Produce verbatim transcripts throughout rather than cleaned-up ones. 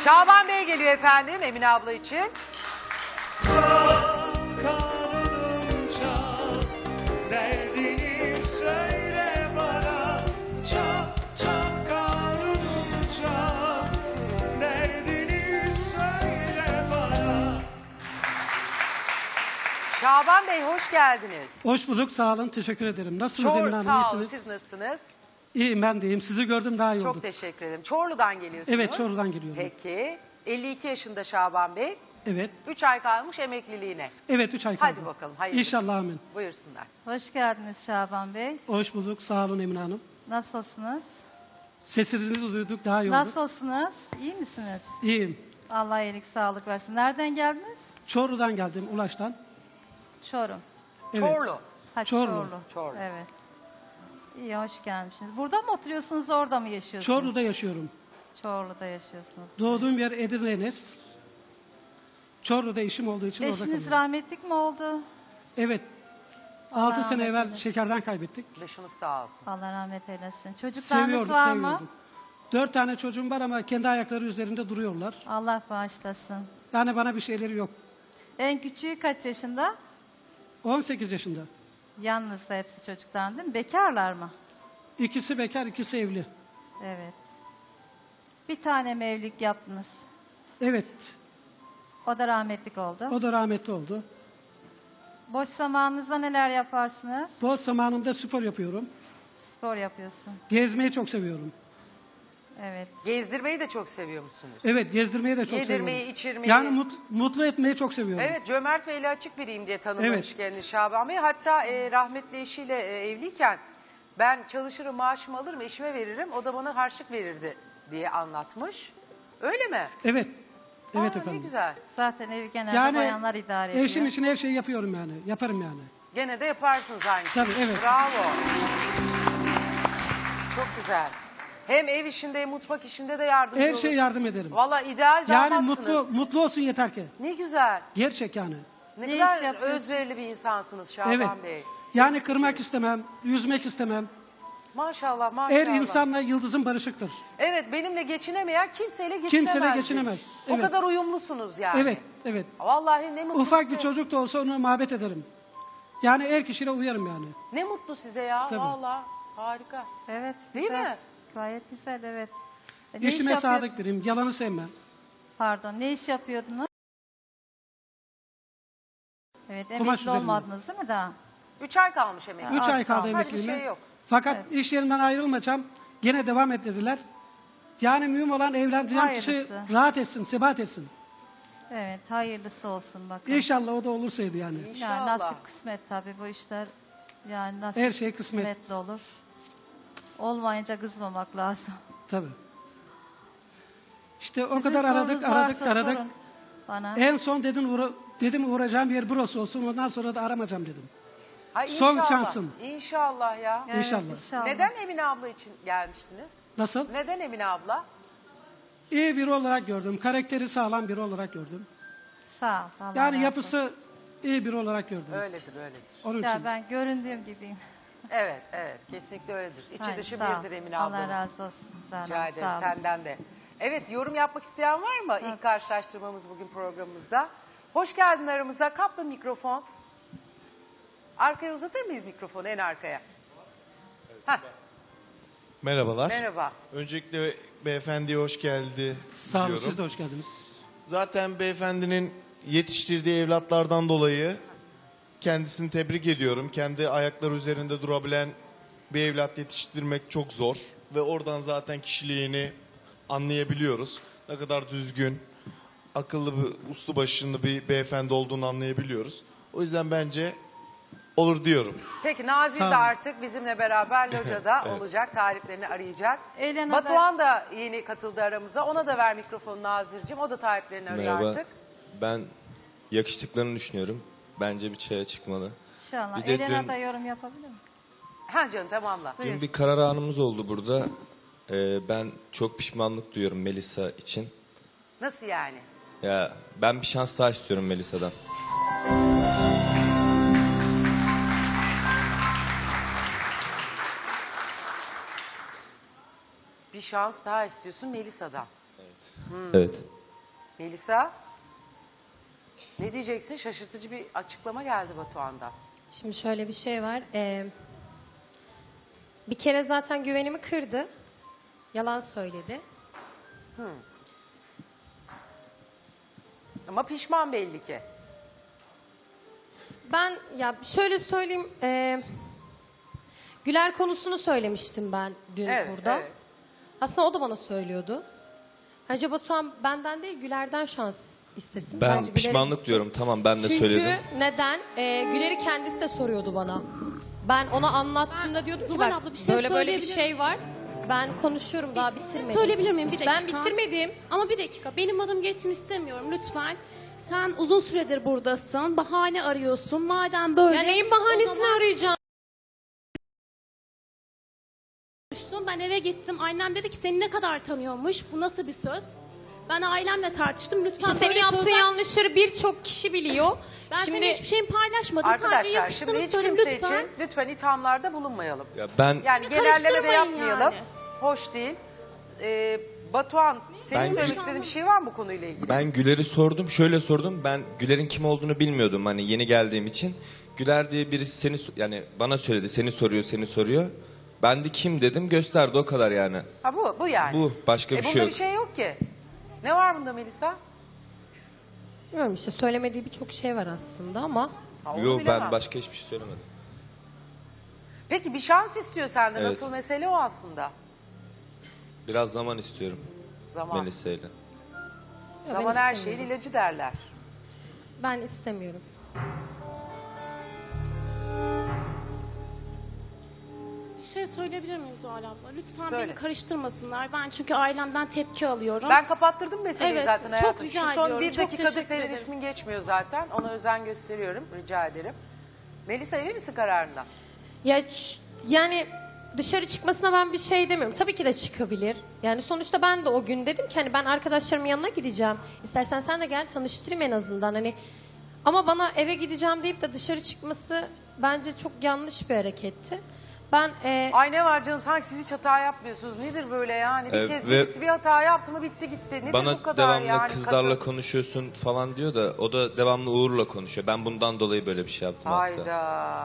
Şaban Bey geliyor efendim Emine abla için. Kalınca derdini söyle bana, çok çok kalınca derdini söyle bana. Şaban Bey hoş geldiniz. Hoş bulduk, sağ olun, teşekkür ederim. Nasılsınız Çor, Emine Hanım, sağ olun, iyisiniz? siz nasılsınız? İyiyim, ben de iyiyim. Sizi gördüm, daha iyi Çok olduk. teşekkür ederim. Çorlu'dan geliyorsunuz. Evet, Çorlu'dan geliyorum. Peki. elli iki yaşında Şaban Bey. Evet, üç ay kalmış emekliliğine. evet üç ay kaldı. Hadi bakalım, hayırlısı. İnşallah, amin. Buyursunlar. Hoş geldiniz Şaban Bey. Hoş bulduk, sağ olun Emine Hanım. Nasılsınız? Sesinizi duyduk, daha iyi olduk. Nasılsınız? İyi misiniz? İyiyim. Allah iyilik sağlık versin. Nereden geldiniz? Çorlu'dan geldim, Ulaş'tan. Çorum. Evet. Çorlu. Ha, Çorlu. Çorlu. Çorlu. Evet. İyi, hoş gelmişsiniz. Burada mı oturuyorsunuz, orada mı yaşıyorsunuz? Çorlu'da yaşıyorum. Çorlu'da yaşıyorsunuz. Doğduğum yer Edirne Enes. Çorlu'da işim olduğu için orada Eşiniz kalıyorum. rahmetlik mi oldu? Evet. Allah altı sene rahmet evvel eylesin. şekerden kaybettik. Başınız sağ olsun. Allah rahmet eylesin. Çocuklarınız Seviyorduk, var mı? seviyorduk. Dört tane çocuğum var ama kendi ayakları üzerinde duruyorlar. Allah bağışlasın. Yani bana bir şeyleri yok. En küçüğü kaç yaşında? on sekiz yaşında. Yalnız da hepsi çocuktan değil mi? Bekarlar mı? İkisi bekar, ikisi evli. Evet. Bir tane mi evlilik yaptınız? Evet, O da rahmetlik oldu. o da rahmetli oldu. Boş zamanınızda neler yaparsınız? Boş zamanımda spor yapıyorum. Spor yapıyorsun. Gezmeyi çok seviyorum. Evet. Gezdirmeyi de çok seviyor musunuz? Evet, gezdirmeyi de çok Yedirmeyi, seviyorum. içirmeyi. Yani mut- mutlu etmeyi çok seviyorum. Evet, cömert ve eli açık biriyim diye tanımlamış Evet. kendini Şaban Bey. Hatta e, rahmetli eşiyle e, evliyken ben çalışırım, maaşımı alırım, eşime veririm. O da bana harçlık verirdi diye anlatmış. Öyle mi? Evet. Evet Aa, efendim. Ne güzel. Zaten evi genelde Yani bayanlar idare ediyor. eşim için her şeyi yapıyorum yani. Yaparım yani. Gene de yaparsınız aynı şeyi. Tabii, evet. Bravo. Çok güzel. Hem ev işinde hem mutfak işinde de yardımcı Her olursunuz. şeye yardım ederim. Valla ideal Yani damatsınız. mutlu mutlu olsun yeter ki. Ne güzel. Gerçek yani. Ne, Ne kadar iş yapıyorsun? özverili bir insansınız Şaban Evet. Bey. Yani kırmak istemem, üzmek istemem. Maşallah maşallah. Her insanla yıldızın barışıktır. Evet, benimle geçinemeyen kimseyle geçinemez. Kimseyle geçinemez. O Evet. kadar uyumlusunuz yani. Evet, evet. Vallahi ne mutlu Ufak size. bir çocuk da olsa onu muhabbet ederim. Yani her kişiyle uyarım yani. Ne mutlu size ya. Tabii. Vallahi harika. Evet. Değil güzel. mi? Gayet güzel, evet. E, ne iş İşime yapıyor- sadık biriyim, yalanı sevmem. Pardon, ne iş yapıyordunuz? Evet, Kumaş emekli üzerinde. olmadınız değil mi daha? Üç ay kalmış emekli. Üç az ay kaldı kaldı. Hadi bir emekliliğime. şey yok. Fakat Evet. iş yerinden ayrılmayacağım. Gene devam et dediler. Yani mühim olan evleneceğim kişi Hayırlısı. rahat etsin, sebat etsin. Evet, hayırlısı olsun bakın. İnşallah o da olursaydı yani. Yani İnşallah. nasip kısmet tabii bu işler. Yani nasip Her şey kısmet. kısmetli olur. Olmayınca kızmamak lazım. Tabii. İşte o Sizin kadar aradık, sorunuz aradık, varsa aradık. sorun Bana. En son dedim, uğra dedim uğrayacağım yer burası olsun. Ondan sonra da aramayacağım dedim. Ay, Son inşallah. şansım. İnşallah ya. Evet, İnşallah. Neden Emine abla için gelmiştiniz? Nasıl? Neden Emine abla? İyi biri olarak gördüm. Karakteri sağlam biri olarak gördüm. Sağ ol. Allah Yani razı yapısı iyi biri olarak gördüm. Öyledir öyledir. Onun olsun. Ya için. ben göründüğüm gibiyim. Evet evet kesinlikle öyledir. İçi Hayır, dışı sağ ol. birdir Emine Allah abla. razı olsun. Sağ Rica ol, ederim sağ ol. senden de. Evet yorum yapmak isteyen var mı Evet. ilk karşılaştırmamız bugün programımızda? Hoş geldin aramıza. Kaplı mikrofon. Arkaya uzatır mıyız mikrofonu en arkaya? Heh, Merhabalar. merhaba. Öncelikle beyefendiye hoş geldi Sağ olun, diyorum. siz de hoş geldiniz. Zaten beyefendinin yetiştirdiği evlatlardan dolayı kendisini tebrik ediyorum. Kendi ayakları üzerinde durabilen bir evlat yetiştirmek çok zor. Ve oradan zaten kişiliğini anlayabiliyoruz. Ne kadar düzgün, akıllı, bir, uslu başında bir beyefendi olduğunu anlayabiliyoruz. O yüzden bence olur diyorum. Peki Nazil Sağ de olun. artık bizimle beraber locada Evet. olacak. Tariflerini arayacak. Elena da- Batuhan da yeni katıldı aramıza. Ona da ver mikrofonu Nazir'cim. O da tariflerini arıyor Merhaba. artık. Ben yakıştıklarını düşünüyorum. Bence bir çaya çıkmalı. İnşallah. Bir de Elena dün- da yorum yapabilir mi? Ha canım tamamla. Buyur. Dün bir karar anımız oldu burada. Ee, ben çok pişmanlık duyuyorum Melisa için. Nasıl yani? Ya ben bir şans daha istiyorum Melisa'dan. Bir şans daha istiyorsun Melisa'dan. Evet. Evet. Melisa, ne diyeceksin? Şaşırtıcı bir açıklama geldi Batuhan'dan. Şimdi şöyle bir şey var. Ee, bir kere zaten güvenimi kırdı. Yalan söyledi. Hı. Ama pişman belli ki. Ben ya şöyle söyleyeyim. e, Güler konusunu söylemiştim ben dün Evet, burada. evet. Aslında o da bana söylüyordu. Bence Batuhan benden değil Güler'den şans istesin. Ben Bence Güler'e pişmanlık gitsin. diyorum. Tamam ben de Çünkü söyledim. neden? Ee, Güler'i kendisi de soruyordu bana. Ben ona anlattığımda diyordum ki Zuhal bak abla, bir şey böyle böyle bir söyleyebilir şey var. Ben konuşuyorum daha bitirmedim. Söyleyebilir miyim? Bir Ben dakika. bitirmedim. Ama bir dakika, benim adım geçsin istemiyorum lütfen. Sen uzun süredir buradasın, bahane arıyorsun. Madem böyle... Ya neyin o bahanesini zaman arayacağım? konuştum. Ben eve gittim, annem dedi ki seni ne kadar tanıyormuş, bu nasıl bir söz? Ben ailemle tartıştım, lütfen İşte senin böyle yaptığın sözler- yanlışları birçok kişi biliyor. Ben Şimdi senin hiçbir şeyimi paylaşmadım. Sadece Arkadaşlar yakıştığını şimdi hiç söyledim, kimse lütfen. için lütfen ithamlarda bulunmayalım. Ya ben Yani genelleme de Karıştırmayın yapmayalım. yani. Hoş değil. Ee, Batuhan, senin Ben- söylemek istediğin bir şey var mı bu konuyla ilgili? ben Güler'i sordum. Şöyle sordum. Ben Güler'in kim olduğunu bilmiyordum hani yeni geldiğim için. Güler diye birisi seni so- yani bana söyledi. Seni soruyor, seni soruyor. Ben de kim dedim gösterdi o kadar yani. Ha bu, bu yani. Bu başka E bir bunda şey yok. bir şey yok ki. Ne var bunda Melisa? bilmiyorum işte söylemediği birçok şey var aslında ama Ha, onu Yok bilemem. ben başka hiçbir şey söylemedim. Peki bir şans istiyor senden. Evet. Asıl mesele o aslında. Biraz zaman istiyorum Zaman. Melisa'yla. ben Zaman her şeyin istemiyorum. ilacı derler. ben istemiyorum. Bir şey söyleyebilir miyim Zuhal abla? Lütfen Söyle. beni karıştırmasınlar. Ben çünkü ailemden tepki alıyorum. Ben kapattırdım meseleyi Evet, zaten çok hayatım. rica Şu son ediyorum, bir çok dakikadır teşekkür senin ederim. ismin geçmiyor zaten. Ona özen gösteriyorum. Rica ederim. Melisa emin misin kararında? Ya ç- yani dışarı çıkmasına ben bir şey demiyorum. Tabii ki de çıkabilir. Yani sonuçta ben de o gün dedim ki hani ben arkadaşlarımın yanına gideceğim. İstersen sen de gel tanıştırayım en azından hani. Ama bana eve gideceğim deyip de dışarı çıkması bence çok yanlış bir hareketti. Ben e, Ay ne var canım sanki siz hiç hata yapmıyorsunuz. Nedir böyle yani? Bir Evet, kez ve- birisi bir hata yaptı mı bitti gitti. Nedir bu Bana kadar devamlı yani? kızlarla Kadın- konuşuyorsun falan diyor da o da devamlı Uğur'la konuşuyor. Ben bundan dolayı böyle bir şey yaptım hatta. Hayda.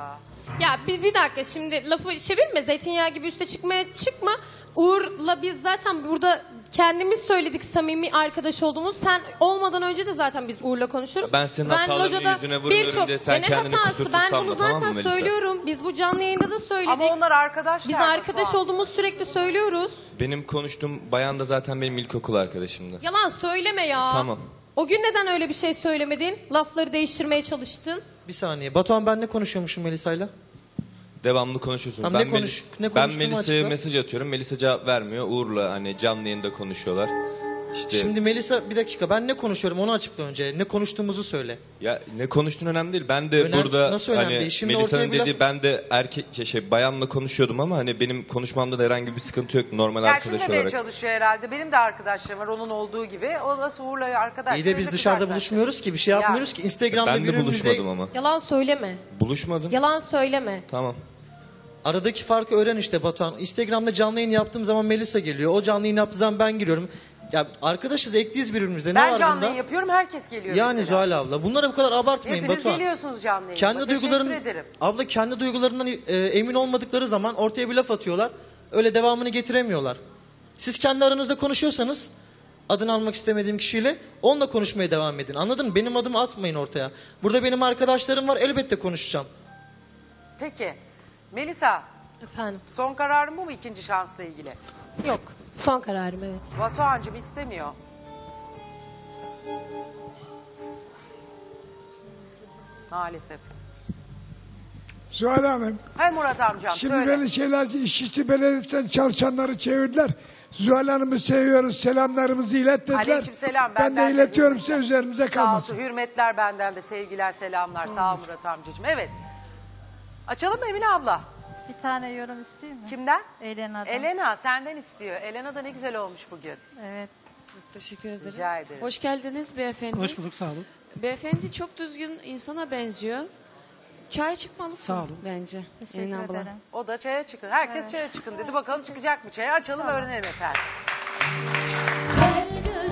ya bir, bir dakika şimdi lafı çevirme zeytinyağı gibi üste çıkmaya çıkma. Uğur'la biz zaten burada kendimiz söyledik samimi arkadaş olduğumuz. Sen olmadan önce de zaten biz Uğur'la konuşuruz. Ben senin hatalarının locada yüzüne vurmuyorum birçok- diye sen Ya ne kendini hatası? kusursuz Ben sanma, bunu tamam zaten mı Melisa? söylüyorum. Biz bu canlı yayında da söyledik. Ama onlar arkadaşlar. Biz Batuhan. arkadaş olduğumuz sürekli söylüyoruz. Benim konuştuğum bayan da zaten benim ilkokul arkadaşımdı. Yalan söyleme ya. Tamam. O gün neden öyle bir şey söylemedin? Lafları değiştirmeye çalıştın. Bir saniye. Batuhan ben ne konuşuyormuşum Melisa'yla? Devamlı konuşuyorsun. Tamam, ben ne konuş- Melis- ne ben konuştuğumu Melisa'ya açıkla. mesaj atıyorum. Melisa cevap vermiyor. Uğur'la hani canlı yayında konuşuyorlar. İşte Şimdi Melisa bir dakika ben ne konuşuyorum onu açıkla önce. Ne konuştuğumuzu söyle. ya ne konuştuğun önemli değil. Ben de Önem- burada nasıl önemli hani değil? Şimdi Melisa'nın ortaya bir dediği laf- ben de erkek şey, şey bayanla konuşuyordum ama hani benim konuşmamda da herhangi bir sıkıntı yok normal Yani şunu arkadaş demeye olarak. çalışıyor herhalde. Benim de arkadaşlarım var onun olduğu gibi. O nasıl Uğur'la arkadaş. İyi de biz Benim dışarıda arkadaşlar. buluşmuyoruz ki bir şey Yani. yapmıyoruz ki. Instagram'da Ben de birbirimizle buluşmadım ama. Yalan söyleme. Buluşmadım. Yalan söyleme. Tamam. aradaki farkı öğren işte Batuhan. Instagram'da canlı yayın yaptığım zaman Melisa geliyor. O canlı yayın yaptığı zaman ben giriyorum. Ya arkadaşız ekliyiz birbirimize. Ne Ben var canlı bunda? yayın yapıyorum herkes geliyor Yani mesela. Zuhal abla bunlara bu kadar abartmayın Hepiniz Batuhan. geliyorsunuz canlı yayına. Kendi Teşekkür duyguların ederim. abla kendi duygularından e, emin olmadıkları zaman ortaya bir laf atıyorlar. Öyle devamını getiremiyorlar. Siz kendi aranızda konuşuyorsanız adını almak istemediğim kişiyle onunla konuşmaya devam edin. Anladın mı? Benim adımı atmayın ortaya. Burada benim arkadaşlarım var elbette konuşacağım. Peki. Melisa Efendim. son kararın bu mu ikinci şansla ilgili? Yok. Son kararım evet. Batuhan'cığım istemiyor. Maalesef. Zuhal Hanım, Hay Murat amcam şimdi söyle. beni şeylerce İşçi Belediyesi'nden çalışanları çevirdiler. Zuhal Hanım'ı seviyoruz, selamlarımızı ilet dediler. Aleykümselam, Ben benden de de iletiyorum hürmetler. size üzerimize Sağ kalmasın. olsun. Hürmetler benden de sevgiler selamlar. Sağ ol Murat amcacığım. Evet. Açalım mı Emine abla? Bir tane yorum isteyeyim mi? Kimden? Elena'dan. Elena senden istiyor. Elena da ne güzel olmuş bugün. Evet. Teşekkür ederim. Rica ederim. Hoş geldiniz beyefendi. Hoş bulduk, sağ olun. Beyefendi çok düzgün insana benziyor. Çay çıkmalısın Sağ olun. bence. Teşekkür Elin abla. ederim. O da çaya çıkın. Herkes Evet. çaya çıkın dedi. Bakalım çıkacak mı çaya? Açalım öğrenelim efendim. Her gün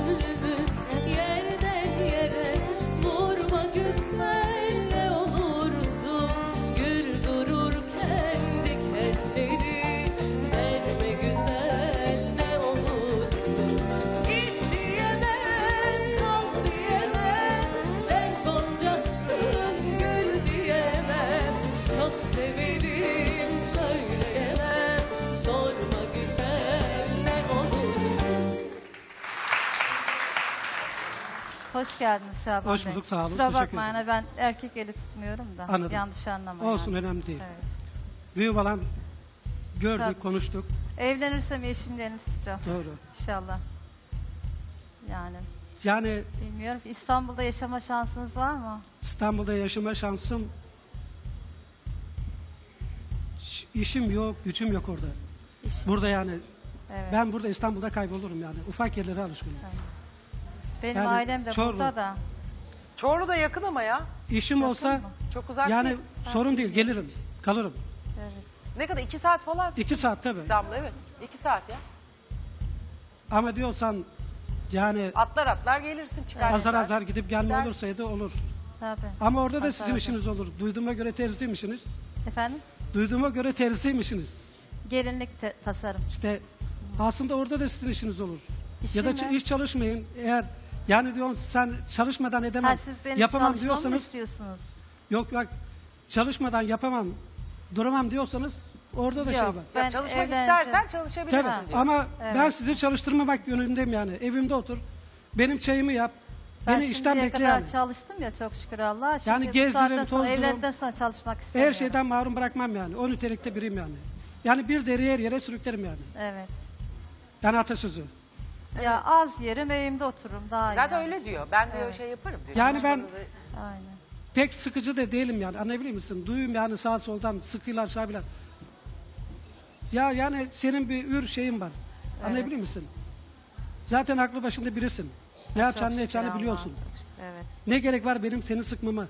Hoş geldiniz Şaban Hoş Bey. bulduk, sağ olun. Kusura Teşekkür bakmayın ederim. ben erkek eli tutmuyorum da. Anladım. Yanlış anlamayın. Olsun, yani. önemli değil. Evet. Büyük olan gördük, Tabii. konuştuk. Evlenirsem eşimin elini tutacağım. Doğru. İnşallah. Yani Yani bilmiyorum ki İstanbul'da yaşama şansınız var mı? İstanbul'da yaşama şansım, ş- işim yok, gücüm yok orada. İş. Burada yani Evet. ben burada İstanbul'da kaybolurum yani. Ufak yerlere alışkınım. Benim yani ailem de Çorlu. burada da. Çorlu da yakın ama ya. İşim Yakın olsa mı? Çok uzak yani değil. sorun değil, gelirim, kalırım. Evet. Ne kadar? İki saat falan. İki saat tabii. İstanbul evet. İki saat ya. Ama diyorsan yani Atlar atlar gelirsin çıkar. azar yeter. azar gidip gelme Gider. olursaydı olur. Tabii. Ama orada da Azar sizin azar. işiniz olur. Duyduğuma göre terziymişsiniz. Efendim? Duyduğuma göre terziymişsiniz. Gelinlik te- tasarım. İşte aslında orada da sizin işiniz olur. İşim ya da mi? ç- hiç çalışmayın. Eğer yani diyorsun sen çalışmadan edemem, Ha, siz benim yapamam çalışmamı mı diyorsanız, istiyorsunuz? yok yok çalışmadan yapamam, duramam diyorsanız orada da şey Yok. var. Ya Ben çalışmak evleneceğim. istersen çalışabilirsin Tabii diyor. ama Evet. ben sizi çalıştırmamak yönündeyim yani. Evimde otur, benim çayımı yap, Ben beni işten şimdiye bekle kadar yani. çalıştım ya çok şükür Allah'a. Şimdi Yani bu gezdirim, saatten sonra, tozdirim. evlendikten sonra çalışmak istemiyorum. Her şeyden mahrum bırakmam yani. O nitelikte biriyim yani. Yani bir deri her yere sürüklerim yani. Evet. Yani atasözü. Ya az yerim evimde otururum daha iyi. Zaten yani. öyle diyor. Ben diyor Evet. şey yaparım diyor. Yani ben- Çalışmanızı- Aynen. Pek sıkıcı da değilim yani. Anlayabiliyor musun? Duyum yani sağ soldan sıkıyla aşağı Ya yani senin bir ür şeyin var. Anlayabiliyor musun? Zaten aklı başında birisin. Ne yapacağını ne Çok yapacağını şükür biliyorsun. Allah'a çok şükür. Evet. Ne gerek var benim seni sıkmama?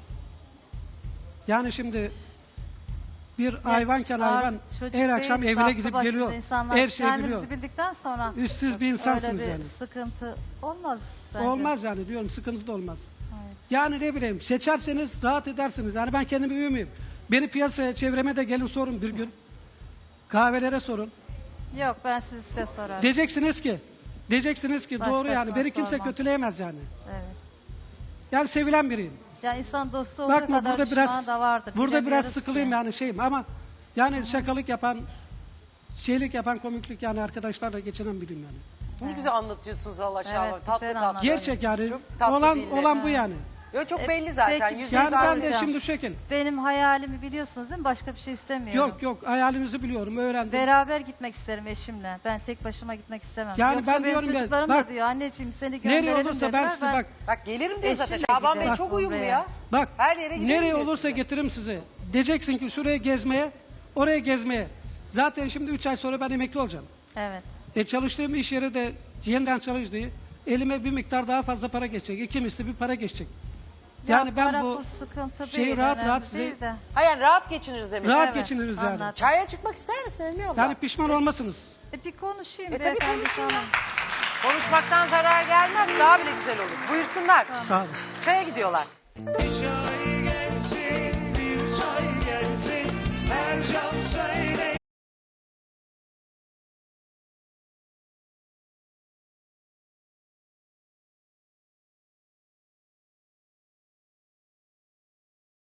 Yani şimdi bir hayvanken Ar- hayvan çocuk her akşam değil, evine aklı gidip başında geliyor. insanlar Her şeyi kendimizi biliyor. bildikten sonra Üstsüz bir insansınız öyle bir yani. sıkıntı olmaz bence. Olmaz yani diyorum, sıkıntı da olmaz. Evet. Yani ne bileyim, seçerseniz rahat edersiniz. Yani ben kendimi üyümüyüm. Beni piyasaya, çevreme de gelin sorun bir gün. Kahvelere sorun. Yok ben siz size sorarım. Diyeceksiniz ki, diyeceksiniz ki doğru yani. Başkasına Beni kimse sormam. kötüleyemez yani. Evet. Yani sevilen biriyim. Ya insan dostu olduğu Bakma kadar burada düşmanı biraz da vardır. burada biraz Bilemiyoruz sıkılıyım ki. yani şeyim ama yani şakalık yapan, şeylik yapan, komiklik yani arkadaşlarla geçinen biriyim yani. Ne güzel anlatıyorsunuz Allah Evet, Şaban. Tatlı güzel tatlı. anlattın. Gerçek yani. Çok tatlı Olan dille. olan bu yani. Yo, çok E, belli zaten. peki, Yüzde Yani ben de Hocam. şimdi şu şekil. Benim hayalimi biliyorsunuz değil mi? Başka bir şey istemiyorum. Yok yok hayalinizi biliyorum, öğrendim. Beraber gitmek isterim eşimle. Ben tek başıma gitmek istemem. Yani Yoksa ben benim diyorum ya, çocuklarım bak, da diyor anneciğim seni gönderelim Nereye olursa ben dediler. size bak Bak gelirim diyor zaten. Eşimle Şaban Bey giderim. çok Bak, uyumlu oraya. ya. bak Her yere gidelim nereye diyor olursa size. getiririm sizi. Diyeceksin ki şuraya gezmeye, oraya gezmeye. Zaten şimdi üç ay sonra ben emekli olacağım. Evet. E çalıştığım iş yeri de yeniden çalıştığı, elime bir miktar daha fazla para geçecek. İki misli bir para geçecek. Yani Ya ben para bu pul sıkıntı şeyi değil, rahat önemli rahat size- değil de. Ha yani rahat geçiniriz demek. rahat Evet, geçiniriz yani. anladım. Çaya çıkmak ister misin Elmi abla? Yani pişman olmasınız. E bir konuşayım E tabii beyefendi konuşun. sana. Konuşmaktan zarar gelmez. Daha bile güzel olur. Buyursunlar. Sağ olun. Çaya gidiyorlar. Hiç